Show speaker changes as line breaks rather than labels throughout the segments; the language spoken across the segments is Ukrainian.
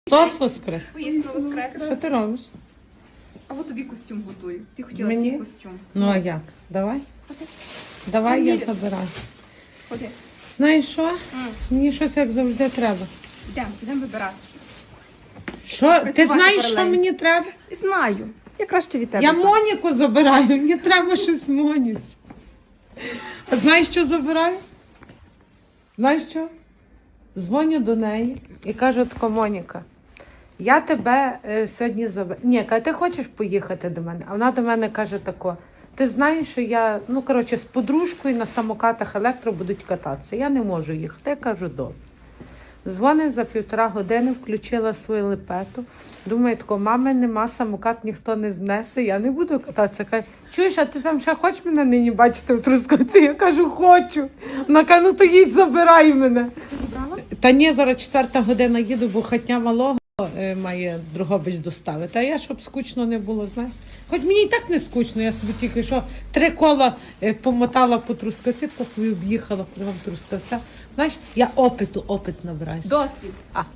Хтось воскрес.
Воістину воскрес.
Що ти робиш?
А от тобі костюм готую. Ти хотіла
Мені?
такий костюм.
Ну а як? Давай?
Ходи.
Давай я
Їдемо.
забираю.
Ходи.
Знаєш що? Мені щось як завжди треба.
Йдемо вибирати щось.
Що? Ти
Працювати
знаєш, що
паралельно.
мені треба?
Знаю. Я краще від тебе.
Я
знаю.
Моніку забираю, мені треба щось Моніці. А знаєш, що забираю? Знаєш що? Дзвоню до неї і кажу, тако, Моніка, я тебе сьогодні заберу. Ні, каже, ти хочеш поїхати до мене? А вона до мене каже тако, ти знаєш, що я, з подружкою на самокатах електро будуть кататися. Я не можу їхати. Я кажу, добре. Дзвонить за 1,5 години, включила свою лепету. Думаю, тако, мами нема, самокат ніхто не знесе, я не буду кататися. Каже, чуєш, а ти там ще хочеш мене нині бачити в Трускавці? Я кажу, хочу. Вона каже, ну то їдь, забирай мене.
Забрала?
Та ні, зараз 4 година їду, бо хатня малого має Дрогобич доставити. А я, щоб скучно не було, знаєш. Хоч мені і так не скучно, я собі тільки що 3 кола помотала по Трускавці, по свою об'їхала кругом Трускавця. Знаєш, я опит набираю.
Досвід.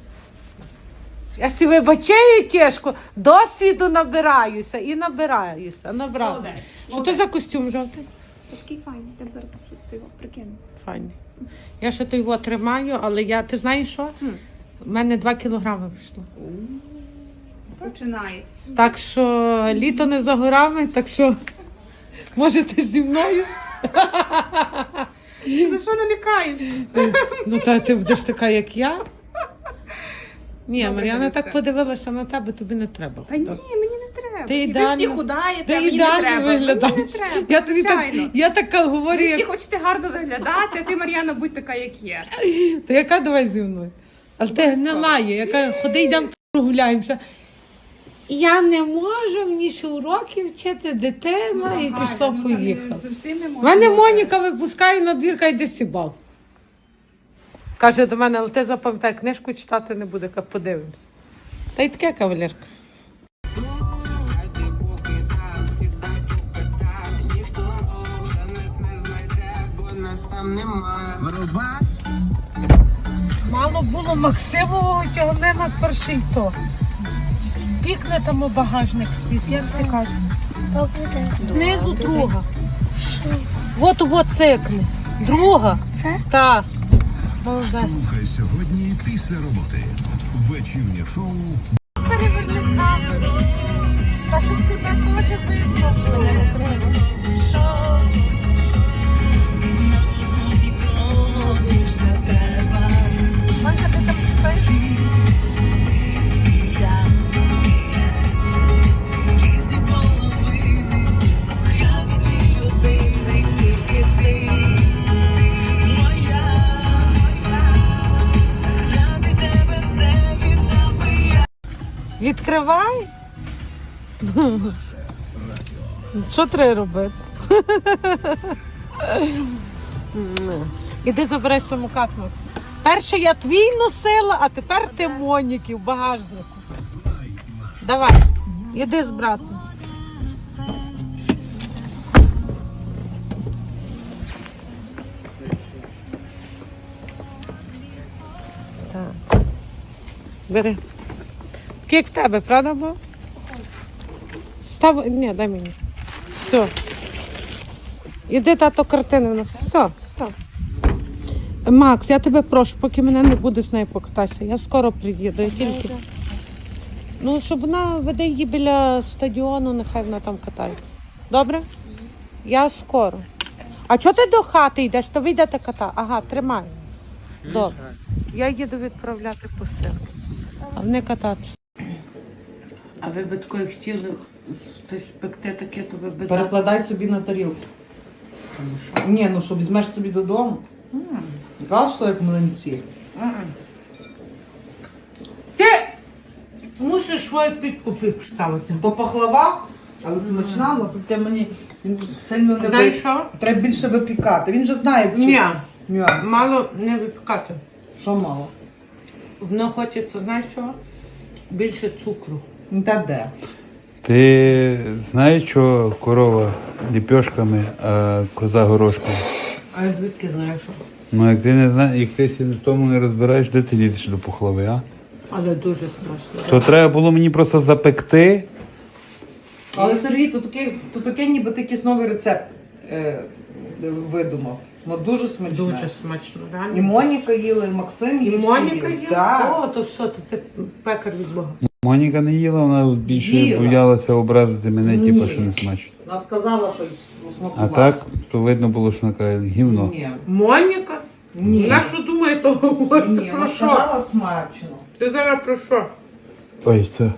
Я сі вибачаю тяжко, досвіду набираюся і набираюся. Набрала.
Молодець,
Що це за костюм жовтий?
Такий файний. Тебе зараз щось його прикину.
Файний. Я ще той його тримаю, але ти знаєш що? У мене 2 кілограми вийшло.
Починається.
Так що літо не за горами, так що можете зі мною.
Ти що намікаєш?
Ну та ти будеш така, як я. Ні,
Добре,
Мар'яна
дивися.
так подивилася на тебе, тобі не треба.
Та ні, мені не треба.
Ти
Ви
ідеально-
всі худаєте,
Ти
а мені не
ідеально
треба. Мені не
виглядаєш.
треба,
Я тобі так,
звичайно.
я така говорю,
Ви всі
як...
хочете гарно виглядати, а ти, Мар'яна, будь така, як є.
Та яка давай зі мною? Але ти не лає, яка ходи йдемо прогуляємося. Я не можу, мені ще уроки вчити, дитина, і пішло, поїхала.
Завжди не можна.
Мене Моніка випускає на двір, каже, йди сібав. Каже до мене, але ти запам'ятай, книжку читати не буде, каже, подивимось. Та й таке, кавалерка. Мало було Максимового тягне на перший то. Пікне там у багажник, як це каже. Знизу друга. От цикли. Друга.
Це?
Так. Молодець.
Слухай сьогодні після роботи. Вечірнє шоу
Переверни камеру. Та щоб тебе теж видно. Мене не треба. Що? Манька, ти там спиш? Відкривай. Що треба робити? Іди забирай самокат, Макс. Перше я твій носила, а тепер ти Моніки в багажнику. Давай, іди з братом. Так. Бери. Як в тебе, правда, бо? Став... Ні, дай мені. Все. Іди, тато, картину у нас. Все. Так. Макс, я тебе прошу, поки мене не буде з нею покататися. Я скоро приїду. Я тільки... Ну, щоб вона веде її біля стадіону, нехай вона там катається. Добре? Я скоро. А чого ти до хати йдеш? То ви йдете катати. Ага, тримай. Добре. Я їду відправляти посилки. А вони кататися. А ви би такої хотіли щось спекти таке, то ви би...
Перекладай собі на тарілку. Ні, ну що візьмеш собі додому. Казав, що як млинці.
Ти мусиш свою підкупи поставити.
То пахлава, але смачна, але тут мені сильно не
Знаєш що?
Треба більше випікати. Він же знає, в чому
Ні,
нюанс.
мало не випікати.
Що мало?
Воно хочеться, знаєш що? Більше цукру.
Ну, та де?
Ти знаєш, що корова ліпьошками, а коза горошками?
А я звідки знаєш?
Ну, як ти не знаєш, як ти в тому не розбираєш, де ти лізеш до пухлави, а?
Але дуже страшно.
То треба було мені просто запекти.
Але Сергій, то таке ніби ти якийсь новий рецепт видумав. Ну дуже смачне.
Дуже смачно,
І
реально.
Моніка їла, і Максим
І
їв.
Моніка є?
Так.
О, то все, то ти пекар від Бога.
Моніка не їла, вона більше
Їла.
боялася образити мене, типу,
Ні.
що не смачно.
Вона сказала, що
А
смакувала.
так, то видно було, що вона каже, гівно.
Ні.
Моніка?
Ні.
Я що думаю, то говорить
Ні,
про
вона
що?
сказала смачно.
Ти зараз про що?
Ой, це.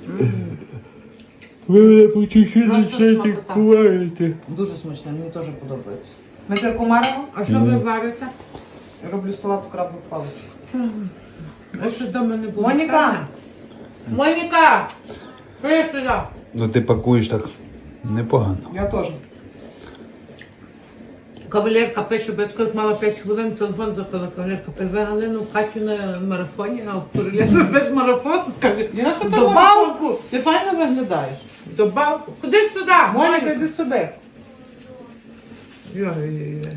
Ви мене по чуть-чуть
Просто
починаєте
смакота.
куваєте.
Дуже смачне, мені теж подобається. Ми тебе комаримо?
А що ви варите?
Роблю салат з крабових паличок.
А що дома не було?
Моніка!
Моніка! Приїдь сюди.
Ну ти пакуєш так непогано.
Я теж.
Кавалерка пише, бо я тако, як мала 5 хвилин, телефон запила. Кавалерка пише, ви Галину в хаті на марафоні, а в Королєві без марафону. Каже,
Діна, що ти
добавку,
Ти файно виглядаєш.
добавку. Ходи сюди,
Моніка, йди сюди.
Ой-ой-ой.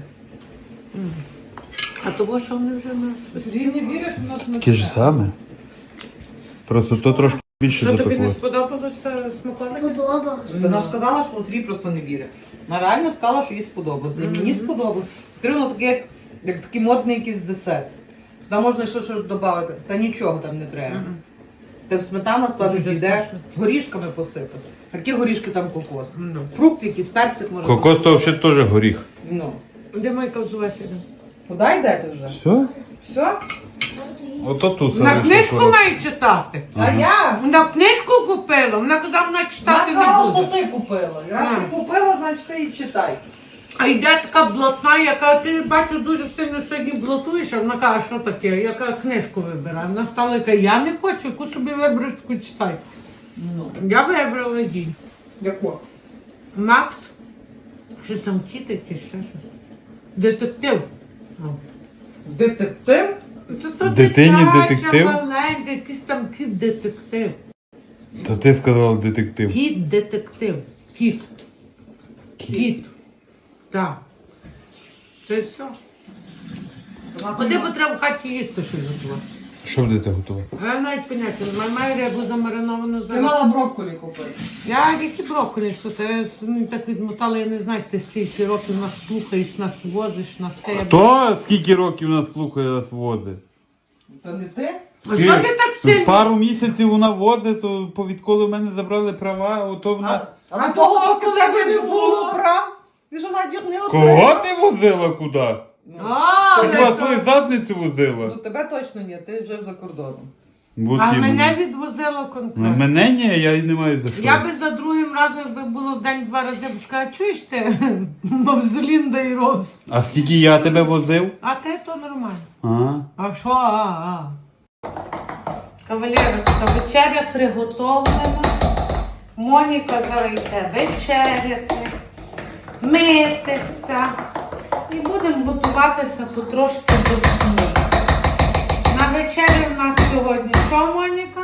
А того, що вони вже нас
Ти не віриш, у нас не
Таке ж саме. Просто то трошки більше
Що тобі не
запекло.
сподобалося смаколики?
Подобалось.
Вона ж сказала, що Лотрій просто не вірить. Вона реально сказала, що їй сподобалось. І мені сподобалось. Скривно таке, як такий модний якийсь десерт. Там можна ще щось додати. Та нічого там не треба. Ти в сметану ставиш,
Дуже
йде,
смачно.
горішками посипати. Які горішки там кокос?
Ну.
Фрукт якийсь, персик може.
Кокос то взагалі теж горіх.
Ну.
Де Майка взулася?
Куди йдете вже?
Все?
Все?
Ото тут
На книжку має читати.
А я?
Вона книжку купила, вона казала, вона
Вона
читати не
сказала, що
буде.
ти купила. І раз ти купила, значить ти і читай.
А йде така блатна, яка ти бачу дуже сильно сьогодні блатуєш, а вона каже, що таке, яка книжку вибирає. Вона стала яка, я не хочу, яку собі вибереш, таку читай.
Ну.
Я вибрала їй.
Яку?
Макс, щось там тіти, чи ще щось. Детектив. О.
Детектив?
То
Дитині
дитяча,
детектив?
маленька, якийсь там кіт-детектив.
То ти сказав детектив.
Кіт-детектив. Кіт. Кіт. Так. Це все. Куди б треба в хаті їсти щось готувати?
Що будете готувати?
Я навіть поняття не маю. Маю рибу замариновану
Ти
зараз.
мала брокколі купити.
Я які брокколі, що ти так відмотала, я не знаю, ти стільки років нас слухаєш, нас возиш, нас тебе.
Хто скільки років нас слухає, нас возить?
То не ти?
А що ти так сильно?
Пару місяців вона возить, то відколи в мене забрали права, ото вона...
А до того, поки тебе не було прав, ти ж навіть не
Кого ти возила куди?
А,
Ти хіба свою задницю возила?
Ну тебе точно ні, ти жив за кордоном.
От
а
іменно.
мене відвозило конкретно.
Мене ні, я й не маю за що.
Я би за другим разом, якби було в день 2 рази, б сказала, чуєш ти, Мавзолін да і Ровс.
А скільки я тебе возив?
А ти то нормально.
А?
А що? Кавалерочка, вечеря приготовлена. Моніка зараз йде вечеряти, митися. І будемо готуватися потрошки до сну. На вечері в нас сьогодні що, Моніка?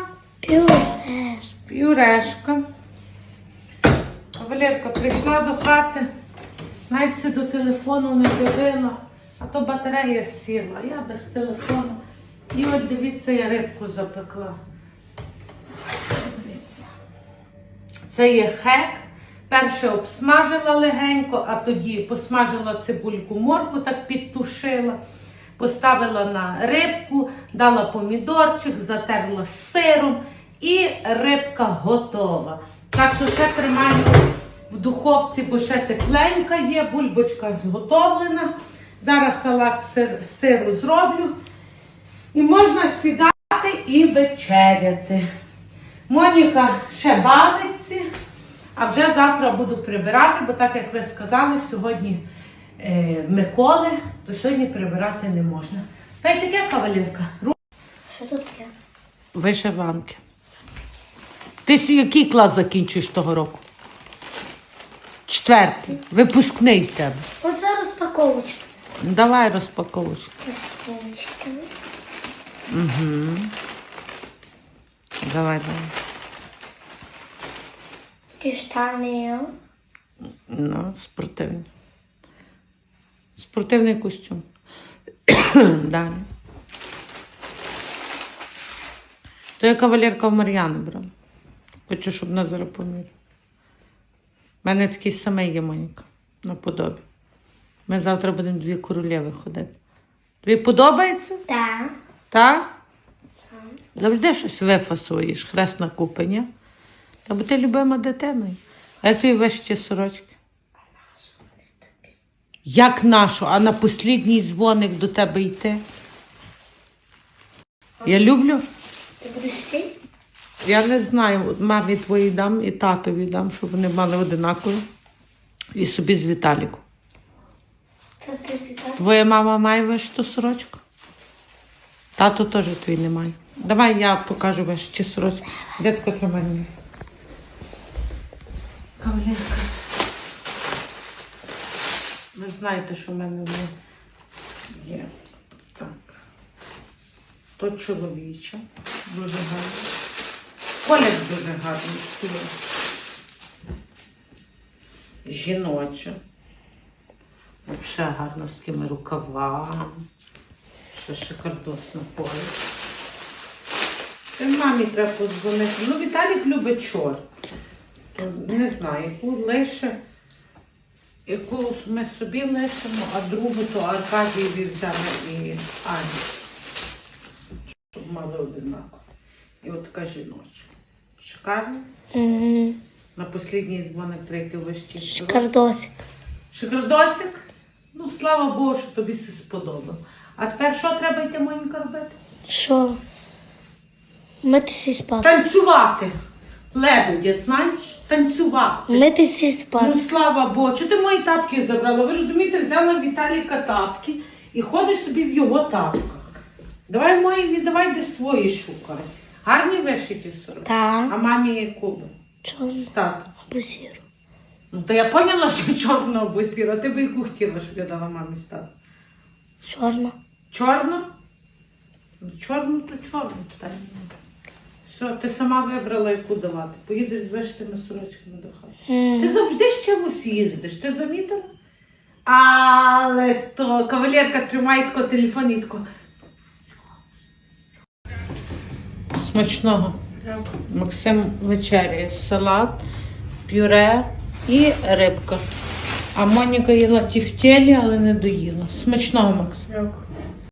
Пюрешка. Кавалерка прийшла до хати, навіть це до телефону не дивила, а то батарея сіла, я без телефону. І от дивіться, я рибку запекла. Дивіться. Це є хек. Перше обсмажила легенько, а тоді посмажила цибульку, морку так підтушила. Поставила на рибку, дала помідорчик, затерла з сиром і рибка готова. Так що це тримаю в духовці, бо ще тепленька є, бульбочка зготовлена. Зараз салат з сиру зроблю. І можна сідати і вечеряти. Моніка ще бавиться, а вже завтра буду прибирати, бо так як ви сказали, сьогодні Миколи, то сьогодні прибирати не можна. Та й таке, кавалерка.
Що тут таке?
Вишиванки. Ти який клас закінчуєш того року? 4. Випускний в тебе.
Оце розпаковочка.
Давай розпаковочку.
Розпаковочка.
Давай.
Такі штани.
Ну, спортивний. Спортивний костюм. Далі. То я кавалерка в Мар'яни брала. Хочу, щоб вона зараз поміряла. У мене такий самий є, Моніка, наподобі. Ми завтра будемо 2 королеви ходити. Тобі подобається?
Так.
Так? Завжди щось вифасуєш, хрест на купи, ні? Та бо ти любима дитиною. А як тобі вишиті сорочки? Як нашу? А на послідній дзвоник до тебе йти? Я люблю.
Ти будеш йти?
Я не знаю, мамі твоїй дам і татові дам, щоб вони мали одинакові. І собі з Віталіком.
Це ти світа?
Твоя мама має вишиту сорочку? Тато теж твій не має. Давай я покажу вишиті сорочки. Дядько, тримай мені. Кавалерка. Ви знаєте, що в мене вони є. Так. То чоловіче. Дуже гарно. Колір дуже гарний. Жіноче. Взагалі гарно з такими рукавами. Ще шикардосно поле. Це мамі треба подзвонити. Ну, Віталік любить чорт. Не знаю, яку лише. Яку ми собі лишимо, а другу то Аркадієві взяли і Ані. Щоб мали одинаково. І от така жіночка. Шикарно.
Угу.
На послідній дзвоник третій вищий.
Шикардосик.
Шикардосик? Ну, слава Богу, що тобі все сподобало. А тепер що треба йти, Моніка, робити?
Що? Митися і спати.
Танцювати. Лебедя, знаєш? Танцювати.
Митися і
Ну,
спати.
слава Богу, чого ти мої тапки забрала? Ви розумієте, взяла Віталіка тапки і ходиш собі в його тапках. Давай мої, віддавай, де свої шукай. Гарні вишиті сорочки.
Так.
А мамі яку би?
Чорно.
Тато.
Або сіру.
Ну, то я поняла, що чорна або сіра. Ти би яку хотіла, щоб я дала мамі стати?
Чорно.
Чорно? Ну, чорно, то чорно. Питання немає. Все, ти сама вибрала, яку давати. Поїдеш з вишитими сорочками до хати. Ти завжди з чимось їздиш, ти замітила? Але то кавалерка тримає тако телефон і тако. Смачного. Максим вечеряє. Салат, пюре і рибка. А Моніка їла тівтєлі, але не доїла. Смачного, Макс.
Дякую.